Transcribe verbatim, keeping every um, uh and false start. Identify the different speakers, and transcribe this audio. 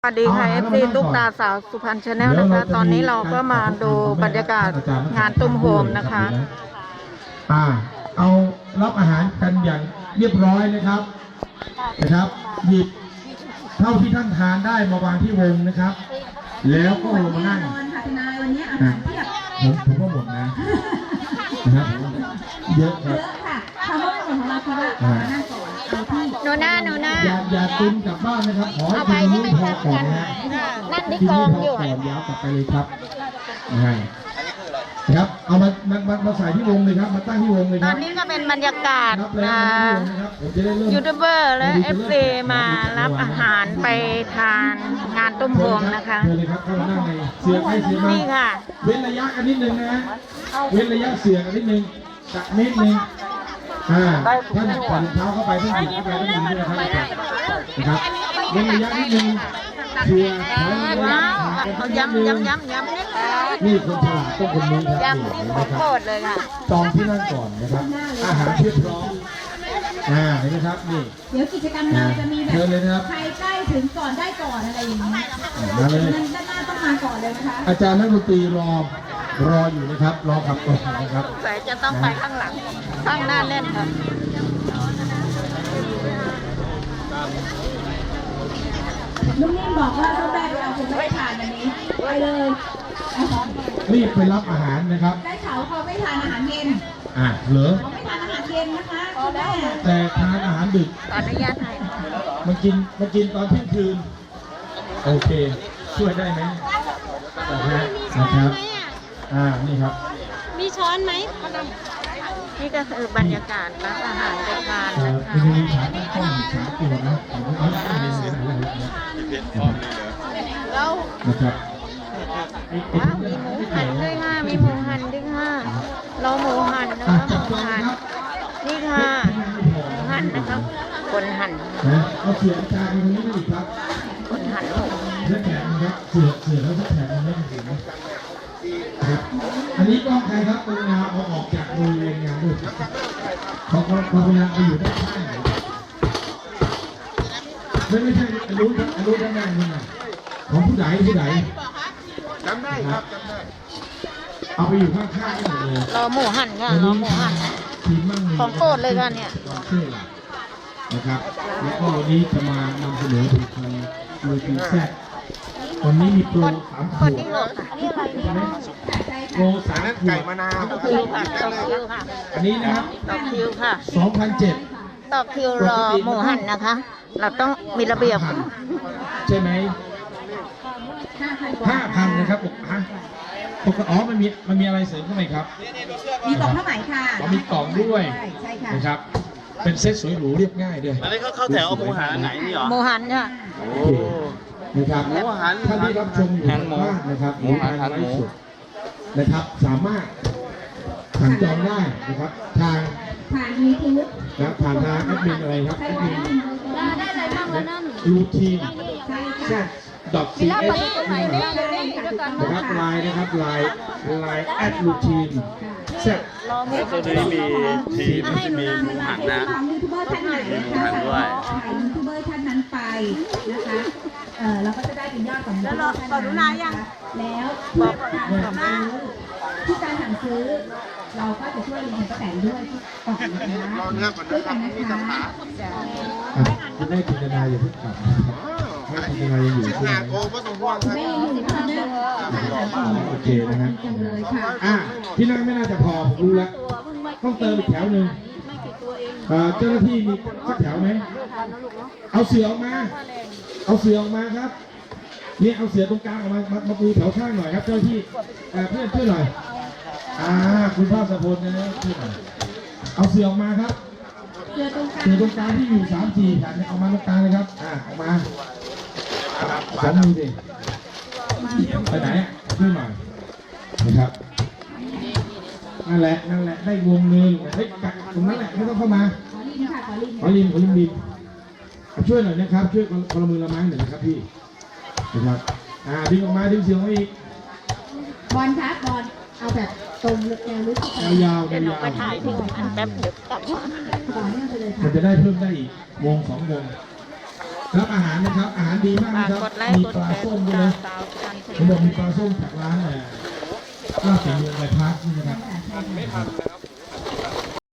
Speaker 1: สวัสดีค่ะ เอฟ ซี ตุ๊กตาสาวสุพรรณชาแนลนะคะตอนนี้เราก็มาดูบรรยากาศงานตุ้มโฮมนะคะ
Speaker 2: อ่าเอารับอาหารกันอย่างเรียบร้อยนะครับนะครับหยิบเท่าที่ท่านทานได้มาวางที่วงนะครับแล้วก็ลงมานั่งผมผมก็หมดนะนะครับเยอะครับ
Speaker 3: ค่ะคำว่าหมดของเราคือว่านั่งก่อนเอาที่
Speaker 1: โนน่าโนน่า
Speaker 2: อย่าอย่าตุ้มกลับบ้านนะครับขอให้คุณนุ่งพอก่อนนะ
Speaker 1: นั่นที่กองอยู่
Speaker 2: ก่อนยาวกลับไปเลยครับนะครับเอามามามาใส่ที่วงเลยครับมาตั้งที่วงเลยค
Speaker 1: ต
Speaker 2: รั
Speaker 1: อบนนี้ก็เป็นบรรยากาศยูทูบเบอร์และ เอฟ ซี มารับอาหารไปทานงานตุ้มโฮมนะคะ
Speaker 2: เชิญเลยครับเข้ามานั่งในเสียงให้เสียงมา
Speaker 1: นี่ค่ะ
Speaker 2: เว้นระยะกันนิดนึงนะเว้นระยะเสียงกันนิดนึงจักนิดนึงอ่าท่านผ่อนเท้าเข้าไปท่านหยิบเข้าไปท่านหยิบด้วยนะครับนะครับเว้นระยะนิดนึงเสียง
Speaker 1: ว้าวเขาย้ำย้ำย้ำย้ำ
Speaker 2: นี่คนฉลาดต้องคนนี้ครับ
Speaker 1: ย้ำนี่ของโปรดเลยค่ะ
Speaker 2: จองที่นั่งก่อนนะครับอาหารเพียบพร้อมอ่าเห็นไหมครับนี่
Speaker 3: เดี๋ยวกิจกรรมเราจะมีแบบใครใกล้ถึงก่อนได้ก่อนอะไรอย่างนี้
Speaker 2: มาเลย
Speaker 3: ด้านหน้าต้องมาก่อนเลยนะคะ
Speaker 2: อาจารย์นักดนตรีรอรออยู่นะครับรอขับก่อนนะครับ
Speaker 1: ใส่จะต้องไปข้างหลังข้างหน้าแน่นครับ
Speaker 3: ลุงนิ่มบอกว่าต้องได้ไปเอาคุณไม่ทานอันนี้ไปเลย
Speaker 2: รีบไปรับอาหารนะครับ
Speaker 3: ได้เขาเขาไม่ทานอาหารเย็น
Speaker 2: อ่าเหรอ
Speaker 3: เขาไม่ทานอาหารเย็นนะคะคุณแม่
Speaker 2: แต่ทานอาหารดึก
Speaker 1: ขออนุญาตถ่าย
Speaker 2: มันกินมันกินตอนเที่ยงคืนโอเคช่วยได้ไหมนะครับอ่านี่ครับ
Speaker 1: มีช้อนไหมนี่ก็คือบรรยากาศรับอาหารไปทานนะคะ
Speaker 2: มีฉากต้องฉากตัวนะ
Speaker 1: แล้ว
Speaker 2: นะครับ
Speaker 1: ว้าวมีหมูหันด้วยค่ะมีหมูหันด้วยค่ะเราหมูหันนะคะหมูหันนี่ค่ะหมูหันนะครับคนหัน
Speaker 2: เอาเสืออาจารย์ตรงนี้ไม่ดีครับ
Speaker 1: คนหันหมู
Speaker 2: เสื้อแขนครับเสือเสือแล้วเสื้อแขนมันไม่ถึงนะครับอันนี้กล้องใครครับกรุณาเอาออกจากบริเวณงานด้วยเขาเขากรุณาไปอยู่ด้านข้างไม่ไม่ใช่อนุอนุด้านหน้านี่นะของผู้ใหญ่ผู้ใหญ่
Speaker 4: จำได้ครับจำได้
Speaker 2: เอาไปอยู่ข้างๆนี่หมดเลย
Speaker 1: รอหมูหันค่ะรอหมูหันของโปรดเลยค่ะเนี่ย
Speaker 2: นะครับแล้วก็วันนี้จะมานำเสนอถึงทางโดยปีแซดวันนี้มีโปรสามขวดโปรสามขวด
Speaker 4: ไก่มะนาว
Speaker 1: ต่อคิวค่ะต่อคิวค่ะ
Speaker 2: อันนี้นะครับ
Speaker 1: ต่อคิวค่ะ
Speaker 2: สองพันเจ็ด
Speaker 1: ต่อคิวรอหมูหันนะคะเราต้องมีระเบียบ
Speaker 2: ใช่ไหมห้าพันนะครับฮะปกติอ๋อมันมีมันมีอะไรเสริมเข้าไปครับ
Speaker 3: มีกล่องผ้าไหมค่ะ
Speaker 2: มีกล่องด้วยนะครับเป็นเซ็ตสวยหรูเรียบง่ายด้วย
Speaker 4: อันนี้เขาเข้าแถวเอาหมูหันไหนนี่หรอ
Speaker 1: หมูหันค่ะ
Speaker 2: โอ้นะครับท่านที่รับชมอยู่ทางบ้านนะครับหมูหันไลฟ์สดนะครับสามารถสั่งจองได้นะครับทาง
Speaker 3: ผ่านยูทูบ
Speaker 2: นะผ่านทางแอดมินอะไรครับแอดมิน
Speaker 1: ได้เลยบ้างเลยนั่น
Speaker 2: รูทีนแซดดอทซีเอสนะครับไลน์นะครับไลน์ไลน์แอดรูทีนแซด
Speaker 4: ตัวนี้มีทีมมีหมูหันนะ
Speaker 3: ยูทูบเบอร์ท่านไหนนะคะถ่ายยูทูบเบอร์ท่านนั้นไปนะคะเออเราก็จะได้เป็นยอดของแล้วเราขอดูนายยังแล้วบอกการที่การสั่งซื้อเราก็จะช่วยลุงป้าแตนด้วยก่อนนะคะช่วยกันนะคะ
Speaker 2: คุณแม่จินตนาอย่าเพิ่งกลับแม่จินตนายังอยู่ใช่ไหม
Speaker 3: แม่อยู่ค่ะแม่
Speaker 2: โอเคนะฮะอ่ะที่นั่งไม่น่าจะพอผมรู้แล้วต้องเติมอีกแถวหนึ่งเจ้าหน้าที่มีสักแถวไหมเอาเสือออกมาเอาเสือออกมาครับนี่เอาเสือตรงกลางออกมามาปูแถวข้างหน่อยครับเจ้าที่เพื่อนช่วยหน่อยอ่าคุณพ่อสะพลนะช่วยหน่อยเอาเสือออกมาครับ
Speaker 3: เสือตรงกลาง
Speaker 2: เสือตรงกลางที่อยู่สามสี่แผ่นเอามาตรงกลางเลยครับอ่าออกมาสองมือดิไปไหนช่วยหน่อยนะครับนั่นแหละนั่นแหละได้วงหนึ่งเฮ้ยกัดตรงนั้นแหละไม่ต้องเข้ามา
Speaker 3: ขอลินค่ะขอลิน
Speaker 2: ขอลินขอลินดินช่วยหน่อยนะครับช่วยคนละมือละไม้หน่อยนะครับพี่นะครับอ่าดึงออกมาดึงเสียงออกมาอีก
Speaker 3: บอลครับบอลเอาแบบตรงแนวลึก
Speaker 2: ยาวยาว
Speaker 1: เดี๋ยวเราไปถ่ายที่อันแป๊บเดี๋ยวกลับมา
Speaker 2: มันจะได้เพิ่มได้อีกวงสองวงรับอาหารนะครับอาหารดีมาก
Speaker 1: ฝาก
Speaker 2: นะครับ
Speaker 1: กดไลค์
Speaker 2: มี
Speaker 1: กด
Speaker 2: ปลา
Speaker 1: แชร์
Speaker 2: ส้ม
Speaker 1: ติด
Speaker 2: ด้วย
Speaker 1: ตาม
Speaker 2: นะ
Speaker 1: สาวพันธุ์
Speaker 2: เขาบอกมีปลาส้มจากร้านเนี่ยลาบฝีมือใบพัดนี่นะครับ
Speaker 3: ไม่ทันนะครับ